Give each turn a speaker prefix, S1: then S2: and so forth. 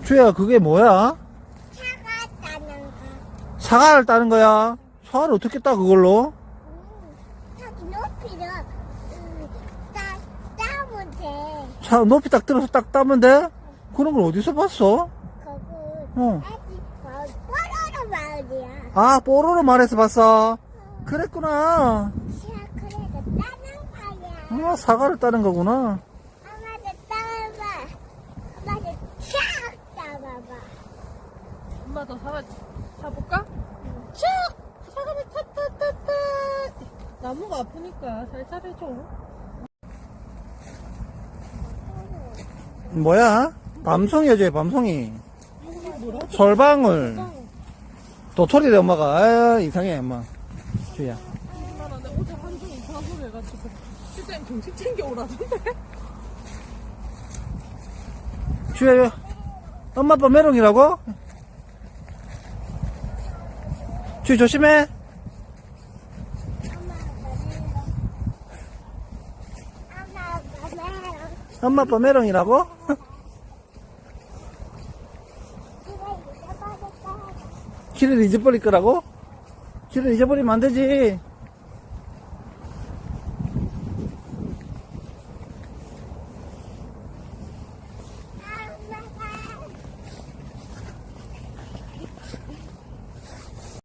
S1: 주야, 그게 뭐야?
S2: 차가 따는 거.
S1: 사과를 따는 거야? 사과를 어떻게 따, 그걸로?
S2: 저기 높이를 따면 돼.
S1: 차, 높이 딱 들어서 딱 따면 돼? 그런 걸 어디서 봤어?
S2: 거기
S1: 어.
S2: 아직 뽀로로 마을이야.
S1: 아, 뽀로로 말해서 봤어? 그랬구나.
S2: 차 그래도 따는 거야.
S1: 아, 사과를 따는 거구나.
S2: 엄마도 따봐. 엄마도 촥 따봐봐.
S3: 엄마 더 사과 타볼까? 쭉! 사과를 타타타타. 나무가 아프니까 살살 해줘.
S1: 뭐야? 밤송이 해줘요, 밤송이.
S3: 이게 뭐라고?
S1: 솔방울. 도토리래, 엄마가. 아, 이상해, 엄마. 주야.
S3: 엄마 나 어제 한종 이상한 소리 해가지고 실장님 정신 챙겨 오라던데?
S1: 주야, 엄마 아빠 메롱이라고? 주 조심해. 엄마 아빠 메롱이라고? 길을 잊어버릴 거라고? 길을 잊어버리면 안 되지.